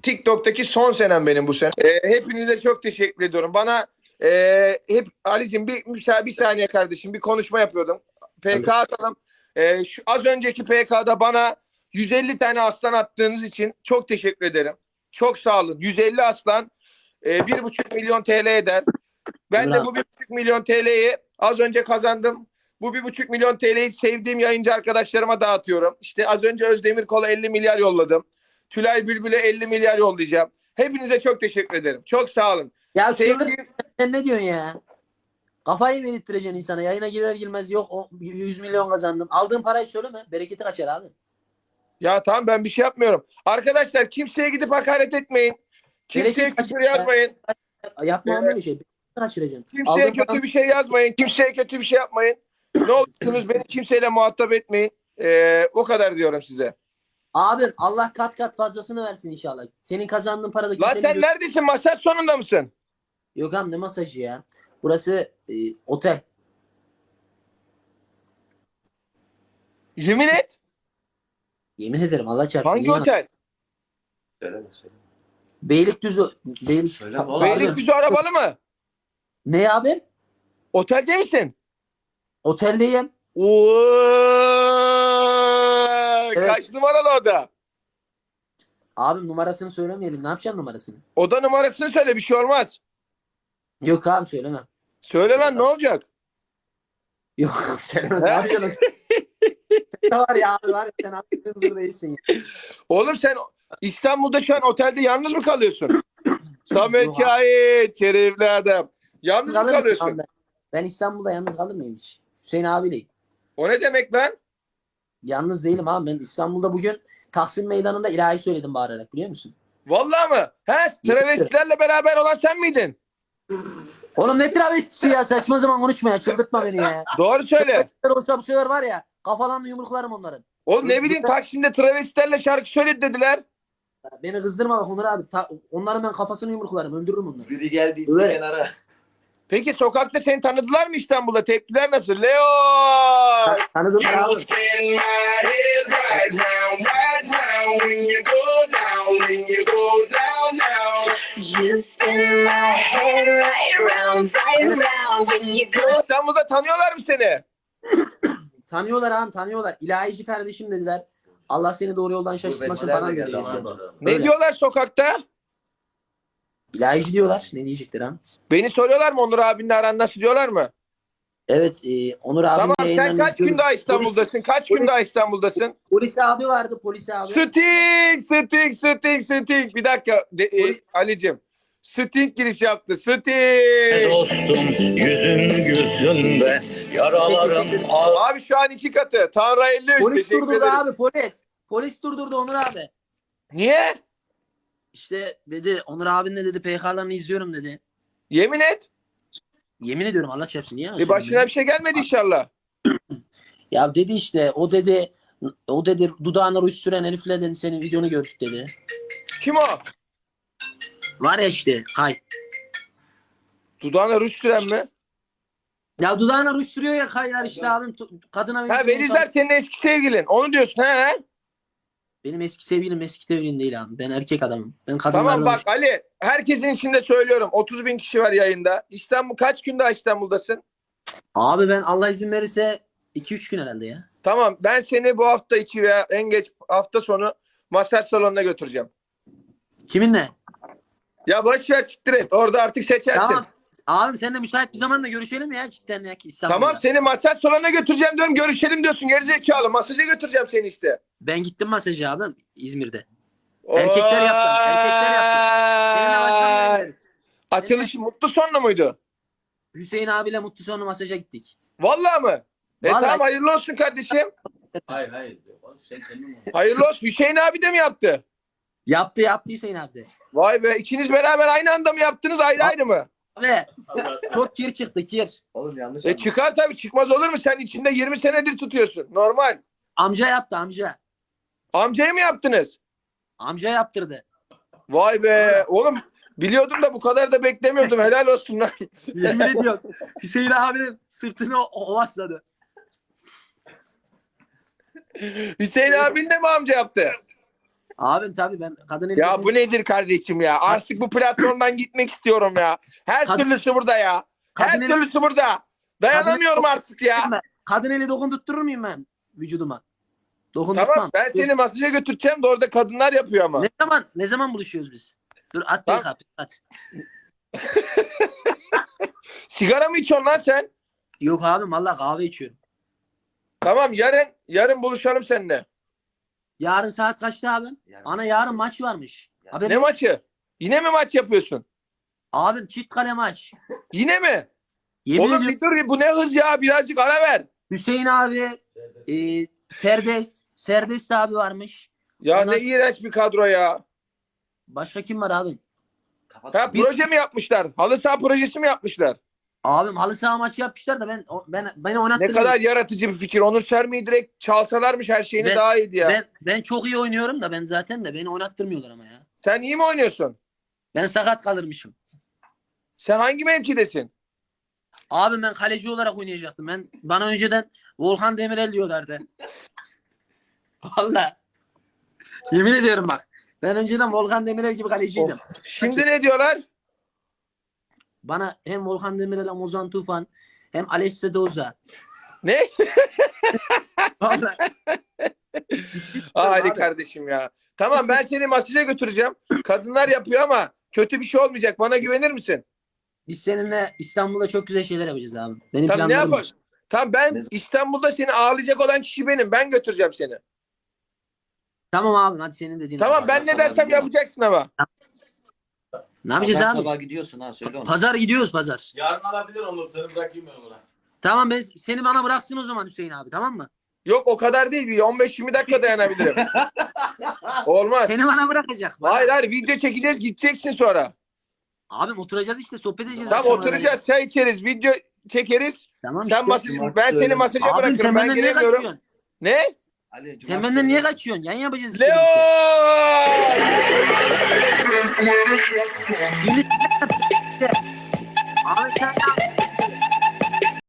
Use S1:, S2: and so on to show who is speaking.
S1: TikTok'taki son senem benim bu sene. Hepinize çok teşekkür ediyorum. Bana hep Ali'cim bir saniye kardeşim bir konuşma yapıyordum. PK atalım. Şu az önceki PK'da bana 150 tane aslan attığınız için çok teşekkür ederim. Çok sağ olun. 150 aslan 1,5 milyon TL eder. Ben de bu 1,5 milyon TL'yi az önce kazandım. Bu 1,5 milyon TL'yi sevdiğim yayıncı arkadaşlarıma dağıtıyorum. İşte az önce Özdemir Kol'a 50 milyar yolladım. Tülay Bülbül'e 50 milyar yollayacağım. Hepinize çok teşekkür ederim. Çok sağ olun.
S2: Ya sen ne diyorsun ya? Kafayı mı yedirttireceksin insana? Yayına girer girmez yok 100 milyon kazandım. Aldığın parayı söyleme. Bereketi kaçar abi.
S1: Ya tamam ben bir şey yapmıyorum. Arkadaşlar kimseye gidip hakaret etmeyin. Kimseye küfür yazmayın.
S2: Yapma anne bir şey. Bereketi kaçıracaksın.
S1: Kimseye
S2: Aldığın
S1: kötü
S2: paranı...
S1: bir şey yazmayın. Kimseye kötü bir şey yapmayın. Ne olursunuz beni kimseyle muhatap etmeyin. O kadar diyorum size.
S2: Abim Allah kat kat fazlasını versin inşallah. Senin kazandığın paradaki...
S1: Lan sen neredesin? Masaj sonunda mısın?
S2: Yok abi ne masajı ya? Burası otel.
S1: Yemin et.
S2: Yemin ederim Allah çarpsın.
S1: Hangi otel?
S3: Söyleme.
S2: Beylikdüzü.
S1: Beylikdüzü arabalı mı?
S2: Ne abi?
S1: Otelde misin?
S2: Oteldeyim.
S1: Oo,
S2: Evet.
S1: Kaç numaralı oda?
S2: Abim numarasını söylemeyelim. Ne yapacaksın numarasını?
S1: Oda numarasını söyle bir şey olmaz.
S2: Yok abi söylemem.
S1: Söyle lan ne olacak?
S2: Yok söylemem. Ne yapacaksın? Sen var ya abi var ya sen artık hızır değilsin ya.
S1: Oğlum sen İstanbul'da şu an otelde yalnız mı kalıyorsun? Samet
S2: Yok abi.
S1: Şahit, şerefli adam. Yalnız mı
S2: Kalır mıyım
S1: kalıyorsun?
S2: abi ben İstanbul'da yalnız kalır mıyım hiç? Hüseyin abiyleyim.
S1: O ne demek lan?
S2: Yalnız değilim abi. Ben İstanbul'da bugün Taksim Meydanı'nda ilahi söyledim bağırarak biliyor musun?
S1: Vallahi mı? He, travestilerle beraber olan sen miydin?
S2: Oğlum ne travestisi ya saçma zaman konuşma ya çıldırtma beni ya.
S1: Doğru söyle.
S2: Olsa bu sefer var ya kafalarını yumruklarım onların.
S1: Oğlum ne bileyim Taksim'de travestilerle şarkı söyledi dediler.
S2: Beni kızdırma bak Onur abi. Onların ben kafasını yumruklarım öldürürüm onları.
S3: Biri geldi
S2: Öyle.
S3: kenara.
S1: Peki sokakta seni tanıdılar mı İstanbul'da? Tepkiler nasıl? Leo!
S2: Tanıdım abi.
S4: You spin my head right round when you go.
S1: İstanbul'da tanıyorlar mı seni?
S2: Tanıyorlar abi tanıyorlar. İlahici kardeşim dediler. Allah seni doğru yoldan şaşırtmasın
S3: Gurbetçiler
S2: falan
S3: de
S2: dedi.
S3: geldi
S2: birisi.
S3: ama.
S1: Ne
S2: Öyle.
S1: diyorlar sokakta?
S2: İlahici diyorlar. Ne diyecekler ha?
S1: Beni soruyorlar mı Onur abinle aran nasıl diyorlar mı?
S2: Evet Onur abi.
S1: Tamam sen kaç gün daha İstanbul'dasın? Kaç gün daha İstanbul'dasın?
S2: Polis abi vardı polis abi.
S1: Sting. Bir dakika Ali'cim. Sting giriş yaptı. Sting.
S5: Dostum yüzün gülsün be yaralarım
S1: Abi şu an 2 katı. Tanrı 53.
S2: Polis
S1: Teşekkür
S2: durdurdu
S1: ederim.
S2: abi polis. Polis durdurdu Onur abi.
S1: Niye?
S2: İşte dedi Onur abin de dedi PK'larını izliyorum dedi.
S1: Yemin et.
S2: Yemin ediyorum Allah çarpsın niye?
S1: Başına bir şey gelmedi inşallah.
S2: Ya dedi işte o dedi dudağına ruj süren herifle dedi senin videonu gördük dedi.
S1: Kim o?
S2: Var ya işte Kay.
S1: Dudağına ruj süren mi?
S2: Ya dudağına ruj sürüyor ya Kaylar işte abim kadına
S1: Ha Velizler senin eski sevgilin. Onu diyorsun he?
S2: Benim eski sevgilim eski sevgilim değil abi. Ben erkek adamım. Ben kadınlarla
S1: Tamam bak Ali. Herkesin içinde söylüyorum. 30 bin kişi var yayında. Kaç gün daha İstanbul'dasın?
S2: Abi ben Allah izin verirse 2-3 gün herhalde ya.
S1: Tamam ben seni bu hafta içi veya en geç hafta sonu masaj salonuna götüreceğim.
S2: Kiminle?
S1: Ya boş ver siktir et. Orada artık seçersin.
S2: Tamam. Abim seninle müsait bir zamanda görüşelim ya cidden ya ki İstanbul'da.
S1: Tamam seni masaj salonuna götüreceğim diyorum. Görüşelim diyorsun gerizekalı. Masaja götüreceğim seni işte.
S2: Ben gittim masajı abim İzmir'de.
S1: Oo!
S2: Erkekler yaptım. Seninle baştan gideriz.
S1: Açılış mutlu sonlu muydu?
S2: Hüseyin abiyle mutlu sonu masaja gittik.
S1: Vallahi mı?
S2: Vallahi.
S1: Tamam hayırlı olsun kardeşim.
S3: Hayır. Sen kendin mi?
S1: Hayırlı olsun. Hüseyin abi de mi yaptı?
S2: Yaptı Hüseyin abi de.
S1: Vay be ikiniz beraber aynı anda mı yaptınız ayrı ayrı mı?
S2: Abi çok kir çıktı kir.
S3: Oğlum yanlış
S1: Çıkar tabii çıkmaz olur mu? Sen içinde 20 senedir tutuyorsun. Normal.
S2: Amca yaptı amca.
S1: Amcayı mı yaptınız?
S2: Amca yaptırdı.
S1: Vay be. Oğlum biliyordum da bu kadar da beklemiyordum. Helal olsun lan.
S2: Yemin ediyorum. Hüseyin abinin sırtını ovasladı.
S1: Hüseyin abin de mi amca yaptı?
S2: Abim tabii ben kadın eli
S1: Ya bu nedir kardeşim ya? Artık bu platformdan gitmek istiyorum ya. Her
S2: Kadın-
S1: türlüsü burada ya. Her
S2: Kadın eli-
S1: türlüsü burada. Dayanamıyorum artık ya.
S2: Kadın eli dokundurtur muyum ben vücuduma? Dokundurtmam.
S1: Tamam ben seni masaja götüreceğim de orada kadınlar yapıyor ama.
S2: Ne zaman buluşuyoruz biz? Dur at
S1: Tamam.
S2: bir kapı at.
S1: Sigara mı içiyorsun lan sen?
S2: Yok abim valla kahve içiyorum.
S1: Tamam yarın buluşalım seninle.
S2: Yarın saat kaçta abim? Ana yarın maç varmış. Haberin
S1: Ne
S2: yok.
S1: maçı? Yine mi maç yapıyorsun?
S2: Abim çift kale maç.
S1: Yine mi?
S2: Yemin
S1: Oğlum
S2: ediyorum
S1: bir dur bu ne hız ya birazcık ara ver.
S2: Hüseyin abi Serbest abi varmış.
S1: Ya
S2: Ondan-
S1: ne iğrenç bir kadro ya.
S2: Başka kim var abim?
S1: Ha proje mi yapmışlar? Halı saha projesi mi yapmışlar?
S2: Abim halı saha maçı yapmışlar da beni
S1: Ne
S2: oynattırmıyor.
S1: kadar yaratıcı bir fikir. Onur Sermi'yi direkt çalsalarmış her şeyini
S2: Ben-
S1: daha iyiydi ya.
S2: Ben çok iyi oynuyorum da ben zaten de beni oynattırmıyorlar ama ya.
S1: Sen iyi mi oynuyorsun?
S2: Ben sakat kalırmışım.
S1: Sen hangi mevkidesin?
S2: Abi ben kaleci olarak oynayacaktım. Bana önceden Volkan Demirel diyorlardı. Vallahi. Yemin ediyorum bak. Ben önceden Volkan Demirel gibi kaleciydim.
S1: Şimdi ne diyorlar?
S2: Bana hem Volkan Demirel hem Ozan Tufan hem Alessio Doza.
S1: Ne?
S2: Vallahi.
S1: Hadi
S2: abi.
S1: kardeşim ya. Tamam ben seni masaja götüreceğim. Kadınlar yapıyor ama kötü bir şey olmayacak. Bana güvenir misin?
S2: Biz seninle İstanbul'da çok güzel şeyler yapacağız abi. Benim
S1: Tamam ne
S2: planlarım var.
S1: yapalım? Tamam ben İstanbul'da seni ağırlayacak olan kişi benim. Ben götüreceğim seni.
S2: Tamam abi hadi senin dediğin.
S1: Tamam ben ne dersem yapacaksın ama.
S2: Ne yapacağız
S5: Pazar
S2: abi?
S5: sabah gidiyorsun ha söyle onu.
S2: Pazar gidiyoruz pazar.
S3: Yarın alabilir onu. Seni bırakayım ben ona.
S2: Tamam seni bana bıraksın o zaman Hüseyin abi tamam mı?
S1: Yok o kadar değil. Bir 15-20 dakika dayanabilirim. Olmaz.
S2: Seni bana bırakacak. Bana.
S1: Hayır video çekeceğiz gideceksin sonra.
S2: Abim oturacağız işte sohbet edeceğiz.
S1: Tamam
S2: akşama
S1: oturacağız çay içeriz video çekeriz.
S2: Tamam
S1: Sen
S2: işte.
S1: masaj, ben seni masaja
S2: Abim
S1: bırakırım.
S2: sen
S1: Ben
S2: benden niye
S1: gelemiyorum.
S2: kaçıyorsun?
S1: Ne?
S5: Ali,
S2: Sen
S5: cumartesi
S2: benden niye
S5: günü-
S2: kaçıyorsun? Yan yapacağız. işte
S1: Leo!
S2: birlikte.